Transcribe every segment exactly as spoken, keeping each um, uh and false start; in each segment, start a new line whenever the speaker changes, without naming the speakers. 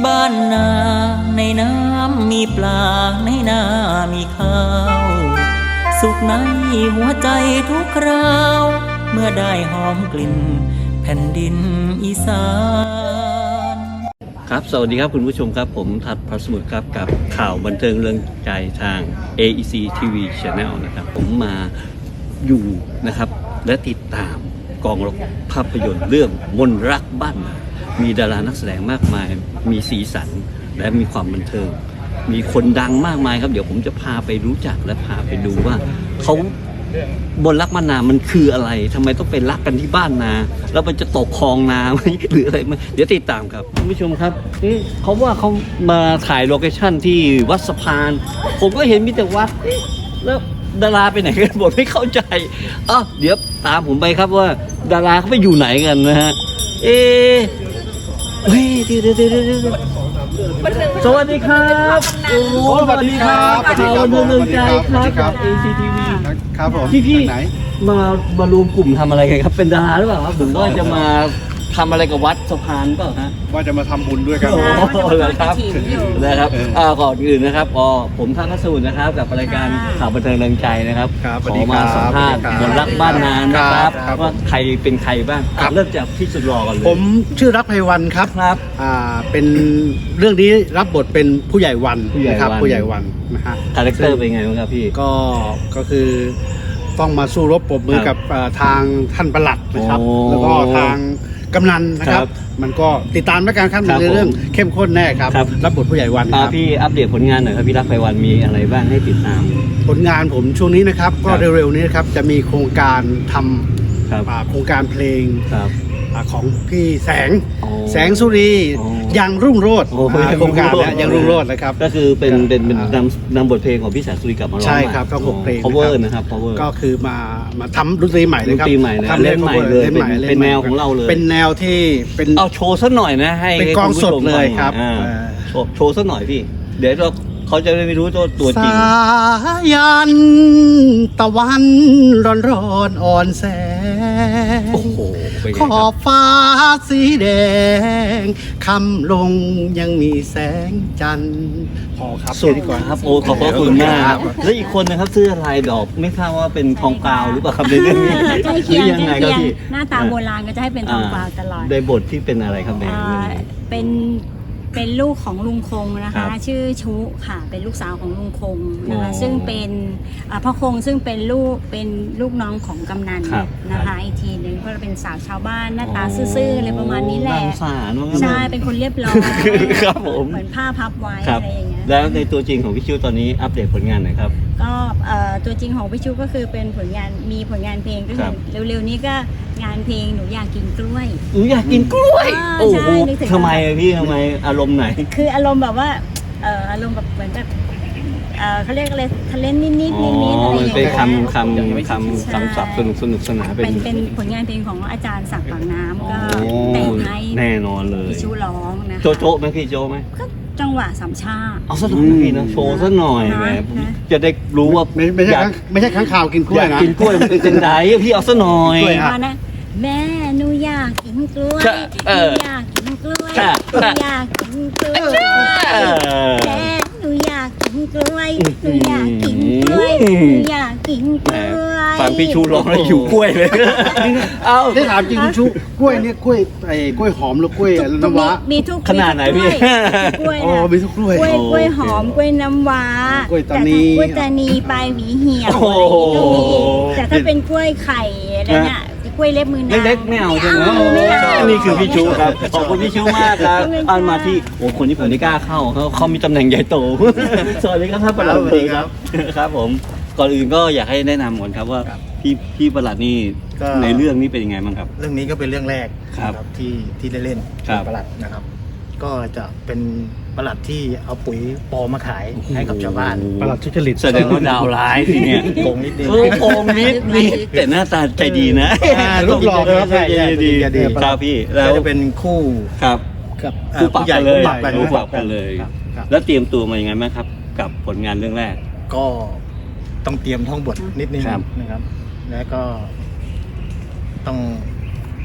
บ้านนาในน้ำมีปลาในนามีข้าวสุขในหัวใจทุกคราวเมื่อได้หอมกลิ่นแผ่นดินอีสานครับสวัสดีครับคุณผู้ชมครับผมทัดพระสมุทรครับกับข่าวบันเทิงเรื่องใจทาง เอ อี ซี ที วี Channel นะครับผมมาอยู่นะครับและติดตามกองภาพยนตร์เรื่องมนรักบ้านนามีดารานักแสดงมากมายมีสีสันและมีความบันเทิงมีคนดังมากมายครับเดี๋ยวผมจะพาไปรู้จักและพาไปดูว่าเขาบนรักบ้านนามันคืออะไรทำไมต้องเป็นรักกันที่บ้านนาแล้วมันจะตกคลองนาไหมหรืออะไรไหมเดี๋ยวติดตามครับคุณผู้ชมครับนี่เขาว่าเขามาถ่ายโลเคชั่นที่วัดสะพานผมก็เห็นมีแต่วัดแล้วดาราไปไหนกันหมดไม่เข้าใจอ่ะเดี๋ยวตามผมไปครับว่าดาราเขาไปอยู่ไหนกันนะฮะเอ๊ะเฮ้ยเดี๋ยวเดี๋ยวเดี๋ยวเดี๋ยวสวัสดีครับโอ้สวัสดีครับข่าวบันเทิงเรื่องใจครับ เอ ซี ที วี
ครับผม
พี่พี่
ไหน
มามารวมกลุ่มทำอะไรกันครับเป็นดาราหรือเปล่าครับผมว่าจะมาทำอะไรกับวัดสะพานเปล่าฮะ
ว่าจะมาทำบุญด้วยกัน
โอ้โหเหรอครับนะครับ
เอออ่
อ่าก่อนอื่นนะครับอ๋อผมท่านพัสดุนะครับกับรายการข่าวบันเทิงเริงใจนะครับ
ครับ
ขอมาสัมภาษณ์
สวัสดีครับ
คนรักบ้านนานนะครับ
ครับ
ว่าใครเป็นใครบ้าง
ครับ
เริ่มจากพี่สุดหล่อก่อนเลย
ผมชื่อรักไพวันครับ
ครับ
อ่าเป็นเรื่องนี้รับบทเป็นผู้ใหญ่วัน
ผู้ใหญ่
นะครับ
วัน
ผู้ใหญ่วันนะฮะ
คาแรคเตอร์เป็นไงบ้างครับพี่
ก็ก็คือต้องมาสู้รบปรบมือ
ครั
กับบ เอ่อทางท่านปลัดนะครับ
โอ้
แล้วก็ทางกำนันนะครั
ครับ บ
มันก็ติดตามแล้วกันครับ
ครับ
ในเรื่องเข้มข้นแน่ครับ
ครับ
รับบทผู้ใหญ่วันค
อ่า
รับ
พี่อัปเดตผลงานหน่อยครับพี่รักไพวันมีอะไรบ้างให้ติดตาม
ผลงานผมช่วงนี้นะครับก็
ครับ
เร็วๆนี้นะครับจะมีโครงการท
ครับ
ำอ่าโครงการเพลง
ครับ
อ่าของพี่แสง
อ๋อ
แสงสุรี
อ๋อ
ยังรุ่งโรจน์
โอ้
อ่าโครงการเนี้ยยังรุ่งโรจน์นะครับ
ก็คือเป็นเป็นเป็น
อ่าน
ำนำบทเพลงของพี่แสงสุรีกลับมาร้อง
ใช่ครับก็หกเพลง
cover
นะ
นะครับ cover
ก็คือมามาทำดนตรีใหม่เลยครับ
ดนตรีใหม่เลย
ทำ
เล่นใหม่เลย
เล่นใหม่
เป็น
ล่
เป็น
ใหม่
แนวของเราเลย
เป็นแนวที่เป็น
เอาโชว์สักหน่อยนะให้
เป็น
ให้
กอง
คุณผู้
สด
ชม
เลย
ฟัง
ครับ
อ่า
เออ
โชว์โชว์สักหน่อยพี่ เดี๋ยวเราเขาจะได้ไม่รู้ตัวตัวจริง
สายันตะวันร้อนร้อนอ่อนแสง
โอ้โหเป็นไง
ข
ค
อ
รั
บบ ฟ้าสีแดงคำลงยังมีแสงจันทร์พอครับ
สุด
แนี้ก่อน
ครับโอ้ขอบพระคุณมาก
ครับ
แล้วอีกคนนะครับเสื้อลายดอกไม่ทราบว่าเป็นทองกาวหรือเปล่าครับในเรื่องนี้
ใกล้เคียง
หรือยังไง
ใก
ค
ล้
รับ
เคียง
พี่
หน้าตาโบราณก็จะให้เป็นทองกวาวตลอด
ในบทที่เป็นอะไรครับใน
อ่า
เรื่องนี้
เป็นเป็นลูกของลุงคงนะ
ครั
คะ
บ
ชื่อชุค่ะ เป็นลูกสาวของลุงคงนะ
อ๋
คะ
อ
ซึ่งเป็นอ่าพ่อคงซึ่งเป็นลูกเป็นลูกน้องของกำนัน
ครับ
นะคะอีกทีหนึ่งเพราะเราเป็นสาวชาวบ้านหน้าตาซื่อๆอะไรประมาณนี้แหละ
น่าสงสารว่างั้น
ใช่เป็นคนเรียบร้อย
ครับผม
เหมือนผ้าพับไว้
ครับ
อะไรอย่างเงี้ย
แล้วในตัวจริงของพี่ชิวตอนนี้อัปเดตผลงานหน่อยครับ
ก็เอ่อตัวจริงของพี่ชูก็คือเป็นผลงานมีผลงานเพลงก็
ค
คื
รั
อบ เร็วๆนี้ก็งานเพลงหนูอยากกินกล้วย
หนูอยากกินกล้วย
อ่า
โอ้โห
ใช่นึกถึง
ทำไมอะพี่ทำไมอารมณ์ไหน
คืออารมณ์แบบว่าเอ่ออารมณ์แบบเหมือนแบบเอ่อเขาเรียกอะไรทะเลนนิดนิด
อ๋อ
นิดนิดอะไรอ
มัน
ย่าง
เป็น
เงี้ย
คำคำคำคำศัพท์สนุกสนุกสนานเป็
เป็น นเป็นผลงานเพลงของอาจารย์ศักดิ์ปากน้ำก็
โอ้
แต่งให้
แน่นอนเลย
พี่ชูร้องนะคะ
โจะโจะไหมพี่โจะไหม
ก็จังหวะสามชา
เอาสักหน่อยนะพี่นะโชว์สักหน่อย
นะ
แหม
นะ
จะได้รู้ว่า
ไม่ไม่ใช่
อยาก
ค้างไม่ใช่ค้างข่าวกินกล้วย
อยาก
นะ
กินกล้วยมันเป็นจังไดพี่เอาสักหน่อย
กล้วย
มานะแม่หนูอยากกินกล้วย
ใช่เออ
หนูอยากกินกล้วย
ใช่
หนูอยากกินกล้วย
เออ
แม่หนูอยากกินกล้วยหนูอยากกินกล้วย
อืม
หนูอยากกินก
แหม
ล้วย
ฟังพี่ชูร้องแล้วหิวกล้วยเลย เอา
ได้ถามจริงคุณชุกล้วยเนี่ยกล้วยไอ้กล้วยหอมหรือกล้วยน้ำว้า
มีทุก
ขนาดไหนพี่
กล้วย
อ๋อ
นะ
มีทุกกล้วย
กล้วย
โอ้
กล้วยหอมกล้วยน้ำว้าก
ล้วยตานี
แต่ถ้ากล้วยตานีปลายหวีเหี่ยว
โอ้โห
อะไรอย่างงี้ก็มีแต่ถ้าเป็นกล้วยไข่อะไรเนี่ยกล้วยเล็บมือนาง
เล็กๆไม่เอาใช่ไหม
ไม่เอา
นี่คือพี่ชูครับ ขอบคุณพี่ชูมากครับอันมาที่โอ้คนที่ผมไม่กล้าเข้าเขาเขามีตำแหน่งใหญ่โต สวัสดีครับท่านประหลัด
สวัสดีครับ
ครับผม ก่อนอื่นก็อยากให้แนะนำก่อนครับว่าพี่พี่ประหลัดนี่
ก็
ในเรื่องนี้เป็นยังไงบ้างครับ
เรื่องนี้ก็เป็นเรื่องแรก
ครับ
นะที่ที่ได้เล่น
ครับ
เป็นประหลัดนะครับ ก็จะเป็นประหลัดที่เอาปุ๋ยปลอมมาขายให้กับชาวบ้าน
ประหลัดทุจริต
แสดงว่าดาวร้ายทีเนี่ย
โกงนิดนึง
เออโกงนิดนิดแต่หน้าตาใจดีนะ
อ่ารูปหล่อครับ
ใจดีดี
ใจดี
ครับพี่แล้ว
ก็จะเป็นคู่
ครับ
กับเอ่
คู่
อ
ปรับ
ผู้ใหญ่
กันเลย
คู่ปรับกัน
คู่ปรับกันเลย
ครับครับ
แล้วเตรียมตัวมายังไงบ้างครับ กับผลงานเรื่องแรก
ก็ต้องเตรียมท่องบทนิดนึง
ครับ
นะครับ แล้วก็ต้อง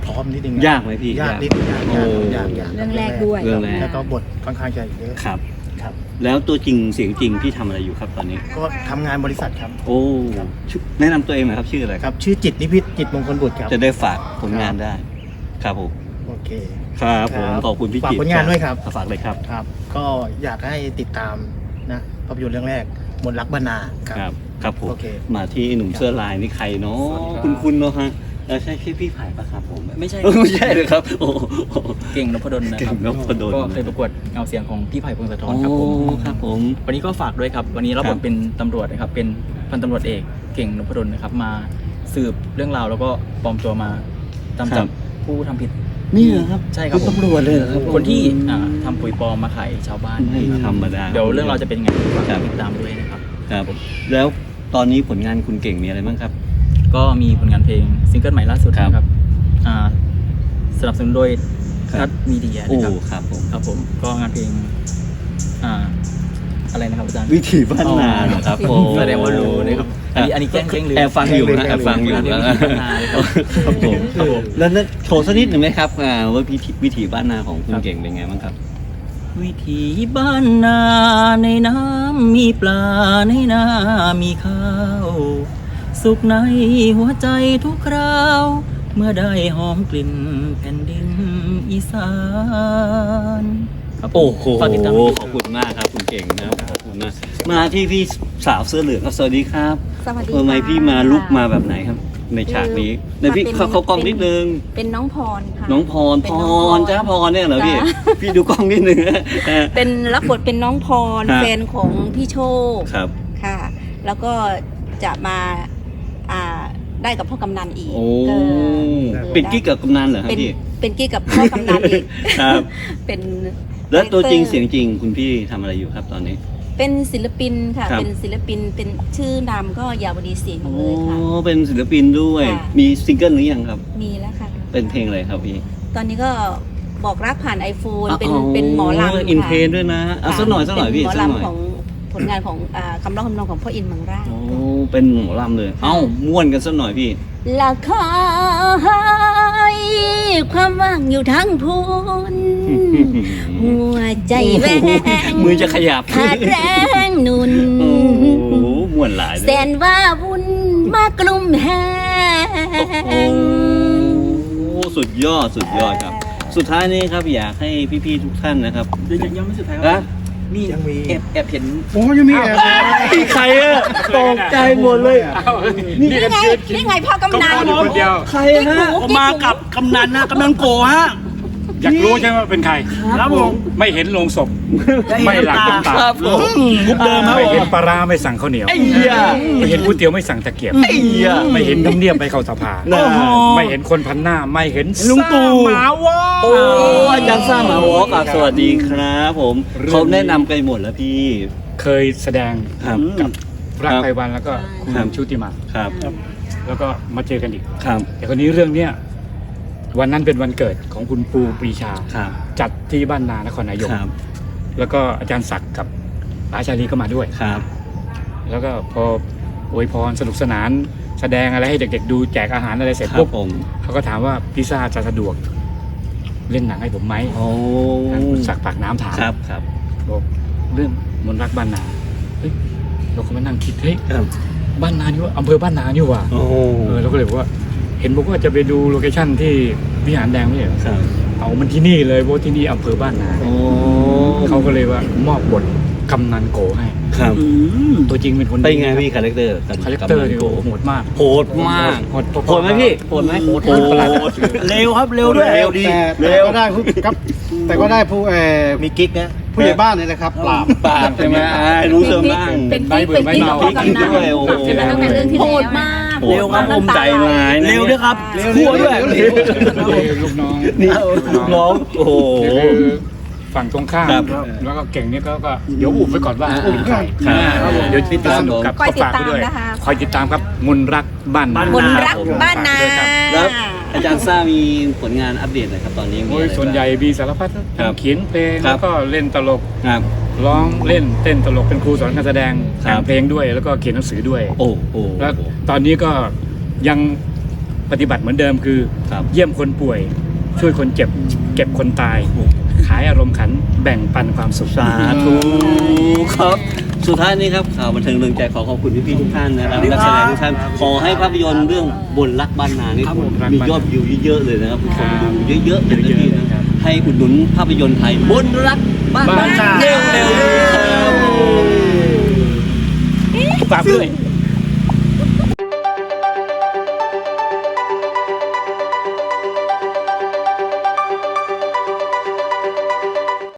พร้อมนิดนึง
ยากไหมพี่
ยากนิดนึงยาก
โอ้
ยากยากยาก
เรื่องแรกด้วย
เรื่องแรก
แล้วก็บทค่อนข้างจะเยอะ
ครับ
ครับ
แล้วตัวจริงเสียงจริงพี่ทำอะไรอยู่ครับตอนนี้
ก็ทำงานบริษัทครับ
โอ้ชื่อแนะนำตัวเองหน่อยครับชื่ออะไร
ครับ ชื่อจิตนิพิษจิตมงคลบุตรครับ
จะได้ฝากผลงานได้ ครับผม
โอเค
ครับผม
ครับ
ขอบคุณพี่
ฝาก
จิต
ผลงานด้วยครับ
ฝากเลยครับ
ครับ ก็อยากให้ติดตามนะภาพยนตร์เรื่องแรกมนต์รักบรรณาครับ
ครับครับผม
โอเค
มาที่หนุ่มเสื้อลายนี่ใครเนาะ
สวัสดีครับ
คุณคุณเนาะฮะเออใช่พี่พี่ไผ่ปะครับผม
ไม่ใช่
เออไม่ใช่เลยครับโอ้โห
เก่งนพดลนะ
เก่
ครั
ง
บ
นพดล
ก็เคยประกวดเงาเสียงของพี่ไผ่พงศธ
โอ้
รครับผม
ครับผม
วันนี้ก็ฝากด้วยครับ วันนี้รับบ
ครั
ท
บ
เป็นตำรวจนะครับ เป็นพันตำรวจเอกเก่งนพดลนะครับ มาสืบเรื่องราวแล้วก็ปลอมตัวมาตามจับผู้ทำผิด
นี่เหรอครับ
ใช่ครับ
ณตำรวจเลยเหรอครับ
คนที่อ่าทำปุ๋ยปลอมมาขายชาวบ้าน
ไม่ธรรมดา
เดี๋ยวเรื่องเราวจะเป็นยังไงฝาก
ครับ
ติดตามด้วยนะครับ
ครับแล้วตอนนี้ผลงานคุณเก่งมีอะไรบ้างครับ
ก็มีผลงานเพลงซิงเกิลใหม่ล่าสุด
ครับ
นะครับอ่าสนับสนุนโดย
ครับ
ทัศมีเดีย
โอ้
นะครับ
ครับผม
ครับผมก็งานเพลงอ่าอะไรนะครับอาจารย์
วิถีบ้านนาเหรอครับผม
แสดงว่ารู้นะครับอันนี้อันนี้แกล้งแกล้งลืม
แอบฟังอยู่นะแอบฟังอยู่
อันนี้
นะ
วิถีบ้านนาเลยครับ
ครับผม
ครับผม
แล้วนั่นโชว์สักนิดหนึ่งไหมครับอ่าว่าวิถีวิถีบ้านนาของคุณ
ครับ
เก่งเป็นไงบ้างครับวิถีบ้านนาในน้ำมีปลาในนามีข้าว สุขในหัวใจทุกคราว เมื่อได้หอมกลิ่นแผ่นดินอีสาน
ครับผม
โอ้โห
ฝากติดตาม
ขอบคุณมากครับคุณเก่งนะครับขอบคุณมากมาที่พี่สาวเสื้อเหลืองครับสวัสดีครับ
สวัสดี
ทำไม
ค่ะ
พี่มาลุกมาแบบไหนครับ ในฉากนี้ในพี่
มาเป็น
เขาเขากล้องนิดนึง
เป็นน้องพรค่ะ
น้องพร
เป็
พ
นน้อง
รจ้าพรเนี่ยเหรอพี่
จ้า
พี่ดูกล้องนิดนึงเออ
เป็นรับบทเป็นน้องพร
ครับ
แฟนของพี่โชค
ครับ
ค่ะ แล้วก็จะมาอ่าได้กับพ่อกำนันอีก
โอ้
เออ
เป็นกิ๊กกับกำนันเหรอครับ
เป็น
พี่
เป็นกิ๊กกับพ่อกำนันอีก
ครับ
เป็น
แล้วตัวจริง
คาแรคตอ
เสียงจริงคุณพี่ทำอะไรอยู่ครับตอนนี้
เป็นศิลปินค่ะ
ครับ
เป็นศิลปินเป็นชื่อนามก็ยาวดีเสียง
โอ้
เลยค่ะ
เป็นศิลปินด้วย
ค่ะ
มีซิงเกิลหรือยังครับ
มีแล้วค่ะ
เป็นเพลงอะไรครับพี่
ตอนนี้ก็บอกรักผ่านไอโฟนเป็น
อ๋อ
เป็นหมอลำ
อิน
ค่ะ
เทรนด้วยนะเอาสักหน่อยสักหน่อยพี่
เป็นหมอ
สักหน่อย
ลำของผลงานของอ่าคำร้องคำนองของพ่ออินทร์มังราช
โอ้เป็นหมอลำเลย เอ้าม่วนกันสักหน่อยพี่
ละคอยความว่างอยู่ทั้งพูนหัวใจแหวง
มือจะขยับ
ขาดแรงหนุน
โอ้โหม่วนหลายเลย
แสนว่าวุ่นมากลุ่มแห
โอ้
ง
โหสุดยอดสุดยอดครับ สุดท้ายนี้ครับอยากให้พี่ๆทุกท่านนะครับ
เดี๋ยวยังไม่สุดท้ายค
นะ
รับมี
ยังมี
แอบแอบเห็น
โอ้ยังมีแอบ
พี่ใครอะตกใจหมดเลย
นี่ไงนี่ไงพ่อกำนัน
คนเดียว
ใครฮะ
ผมมากับกำนันนะกำนันโกฮะ
อยากรู้ใช่ไหมว่าเป็นใคร
ครับผม
ไม่เห็นโลงศพ ไม่หลังน้ำตา
ครับผม
มุกเดิมครับ
ไม่
ผ
เห็น
ม
ปลาร้าไม่สั่งข้าวเหนียว
ไอ้เหี้ย
ไม่เห็นก๋วยเตี๋ยวไม่สั่งตะเกียบ
ไอ้เหี้ย
ไม่เห็นน้ำเนียบไปเข้าสภา
น่า
ไม่เห็นคนพันหน้า ไม่เห็น
ลุงตู่
หมาวอ
โอ้อาจารย์ซ่ามาวอล์กสวัสดีครับผมเขาแนะนำกันหมดแล้วพี่
เคยแสดง
ครับ
กับรัก
ครับ
ไพวันแล้วก็คุณ
ครับ
ชุติมา
ครับ
แล้วก็มาเจอกันอีก
ครับ
แต่คนนี้เรื่องเนี้ยวันนั้นเป็นวันเกิดของคุณปูปรีชา
ครับ
จัดที่บ้านนานครนายก
ครับ
แล้วก็อาจารย์ศักดิ์กับป๋าชาลีก็มาด้วย
ครับ
แล้วก็พออวยพรสนุกสนานแสดงอะไรให้เด็กๆดูแจกอาหารอะไรเสร็จ
ครับ
ปุ๊บ
ผม
เขาก็ถามว่าพิซซ่าจะสะดวกเล่นหนังให้ผมไหม
โอ้
ทางคุณศักดิ์ปากน้ำถาม
ครับครับ
บอกเรื่องมนต์รักบ้านนาเฮ้ยเราก็มานั่งคิดเฮ้ย
ครับ
บ้านนานี่ว่าอำเภอบ้านนานี่ว่า
โอ้
เออเราก็เลยบอกว่า เห็นบอกว่าจะไปดูโลเคชั่นที่วิหารแดงไม่ใช่เหรอ
ครับ
เอามันที่นี่เลยเพราะที่นี่อำเภอบ้านนา
โอ้
เขาก็เลยว่ามอบบทกำนันโกให้
ครับ
ตัวจริงเป็นคน
เป็นไง
ดี
พี่คาแรคเตอร์
คาแรคเตอร์เนี่ย
โห
โหดมาก
โหดมาก
โหด
โหดไหมพี่โหดไหม
โหด
โหด
ประหลาด
เร็วครับเร็วด้วย
เร็วดี
แต่แต่
เร็ว
ก็ได้ผู้ครับ แต่ก็ได้ผู้เอ่อ
มีกิ๊กนะ
ผู้ใหญ่บ้านเนี่ยนะครับปราบ
ปากใช่ไหมอ่ารู้เสริมบ้าง
เป็นกิ๊กเป็นกิ๊กกับพ่อกำนัน
ด้วยโอ้โห
ใช่ไหมตั้งแต่เรื่องที่แล้วโหดมาก
เร็วครับอมใจร้ายนะ
เร็วด้วยครับ
เร็วด้วย
เร็วด้วย
ลูกน้อง
นี่ลูกน้องโอ้โห
นี่คือฝั่งตรงข้าม
ครับ
แล้วก็เก่งนี่ก็ก็เดี๋ยวอุบไว้ก่อนว่า
อ่า
เป็นใคร
ครับ
อ่าเดี๋ยวติดตามสนุกกับ
คอยติด
ฝาก
ตาม
ไว้ด้วย
นะคะ
คอยติดตามครับมนต์รักบ้านนาม
นต์รักบ้านนา
ฝกด้วยครับ
แล้วอาจารย์ซ่ามีผลงานอัปเดตหน่อยครับตอนนี้มี
โอ้ย
อะไรบ้าง
ส่วนใหญ่มีสารพัด
ครับ
เขียนเพลง
ครั
แล้
บ
วก็เล่นตลก
ครับ
ร้องเล่นเต้นตลกเป็นครูสอนการแสดง
ครับ
แต่งเพลงด้วยแล้วก็เขียนหนังสือด้วย
โอ้โห
แล้วตอนนี้ก็ยังปปฏิบัติเหมือนเดิมคือ
ครับ
เยี่ยมคนป่วย ช่วยคนเจ็บ เก็บคนตาย ขายอารมณ์ขันแบ่งปันความสุข
สาธุครับสุดท้ายนี้ครับข่าวบันเทิงเรืองใจขอขอบคุณพี่ๆทุกท่านนะครับนักแสดงทุกท่านขอให้ภาพยนตร์เรื่องบนรักบ้านนานี่มียอดวิวเยอะๆเลยนะครับคนดูเยอะๆเลยนะพี่นะให้อุดหนุนภาพยนตร์ไทยบนรักบ้านนาเร็วๆครับ
ฝากด้วย